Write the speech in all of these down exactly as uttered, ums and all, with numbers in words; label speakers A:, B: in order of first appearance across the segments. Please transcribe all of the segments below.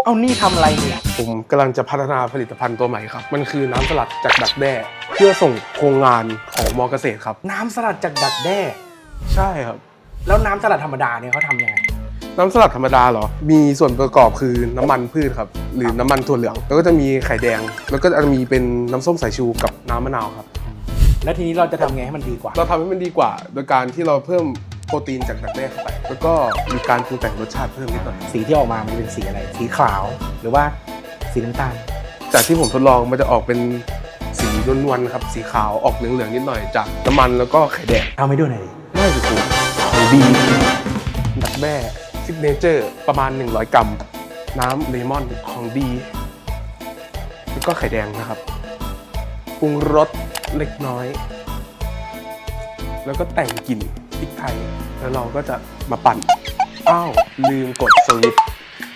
A: เอานี่ทำอะไรเนี่ย
B: ผมกำลังจะพัฒนาผลิตภัณฑ์ตัวใหม่ครับมันคือน้ำสลัดจากดักแด้เพื่อส่งโครงงานของมอเกษตรครับ
A: น้ำสลัดจากดักแด้
B: ใช่ครับ
A: แล้วน้ำสลัดธรรมดาเนี่ยเขาทำยังไง
B: น้ำสลัดธรรมดาเหรอมีส่วนประกอบคือน้ำมันพืชครับหรือน้ำมันถั่วเหลืองแล้วก็จะมีไข่แดงแล้วก็จะมีเป็นน้ำส้มสายชูกับน้ำมะนาวครับ
A: แล้วทีนี้เราจะทำไงให้มันดีกว่า
B: เราทำให้มันดีกว่าโดยการที่เราเพิ่มโปรตีนจากดักแด้เข้าไปแล้วก็มีการปรุงแต่งรสชาติเพิ่มนิดหน่อย
A: สีที่ออกมามันเป็นสีอะไรสีขาวหรือว่าสีน้ำตาล
B: จากที่ผมทดลองมันจะออกเป็นสีนวลๆครับสีขาวออกเหลืองๆนิดหน่อยจากน้ำมันแล้วก็ไข่แดง
A: เอาไม่ดูหน่อยดิ
B: ไม่ถูกของดีดักแด้ซิกเนเจอร์ประมาณหนึ่งร้อยกรัมน้ำเลมอนของดีแล้วก็ไข่แดงนะครับปรุงรสเล็กน้อยแล้วก็แต่งกลิ่นพริกไทยแล้วเราก็จะมาปั่นอ้าวลืมกดสวิตช์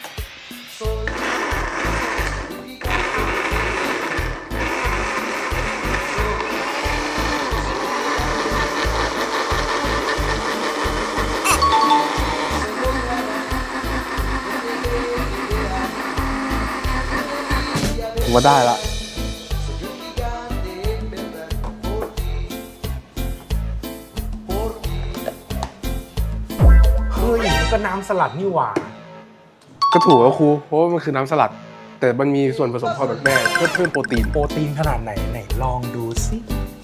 B: ผมว่าได้ละ
A: เฮ้ยมันก็น้ำสลัดนี่หว่า
B: ก็ถูกแล้วครูเพราะว่ามันคือน้ำสลัดแต่มันมีส่วนผสมของดักแด้เพื่อเพิ่มโปรตีน
A: โปรตีนขนาดไหนไหนลองดูสิ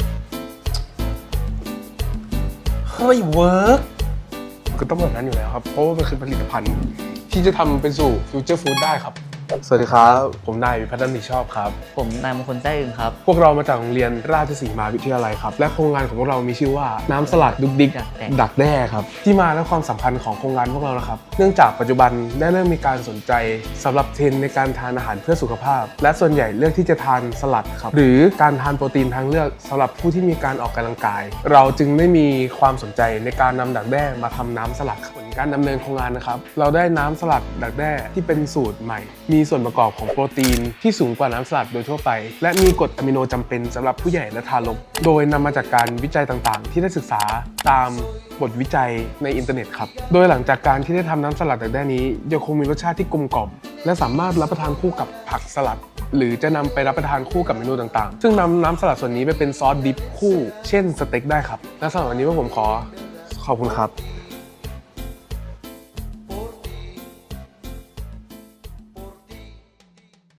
A: เฮ้ยเวิร์ก
B: ก็ต้องแบบนั้นอยู่แล้วครับเพราะว่ามันคือผลิตภัณฑ์ที่จะทำเป็นสู่ฟิวเจอร์ฟู้ดได้ครับสวัสดีครับผมนายวิพัฒน์นิชอบครับ
C: ผมนายมงคลแจ้อึงครับ
B: พวกเรามาจากโรงเรียนราชสีมาวิทยาลัยครับและโครงงานของพวกเรามีชื่อว่าน้ำสลัดดุกดิกดักแด้ครับที่มาและความสำคัญของโครงงานพวกเรานะครับเนื่องจากปัจจุบันได้เริ่มมีการสนใจสำหรับเทรนด์ในการทานอาหารเพื่อสุขภาพและส่วนใหญ่เลือกที่จะทานสลัดครับหรือการทานโปรตีนทางเลือกสำหรับผู้ที่มีการออกกำลังกายเราจึงได้มีความสนใจในการนำดักแด้มาทำน้ำสลัดผลการดำเนินโครงงานนะครับเราได้น้ำสลัดดักแด้ที่เป็นสูตรใหม่มีส่วนประกอบของโปรตีนที่สูงกว่าน้ำสลัดโดยทั่วไปและมีกรดอะมิโนจำเป็นสำหรับผู้ใหญ่และทารกโดยนำมาจากการวิจัยต่างๆที่ได้ศึกษาตามบทวิจัยในอินเทอร์เน็ตครับโดยหลังจากการที่ได้ทำน้ำสลัดดักแด้นี้ยังคงมีรสชาติที่กลมกล่อมและสามารถรับประทานคู่กับผักสลัดหรือจะนำไปรับประทานคู่กับเมนูต่างๆซึ่งนำน้ำสลัดส่วนนี้ไปเป็นซอสดิปคู่เช่นสเต็กได้ครับและสำหรับวันนี้พวกผมขอขอบคุณครับ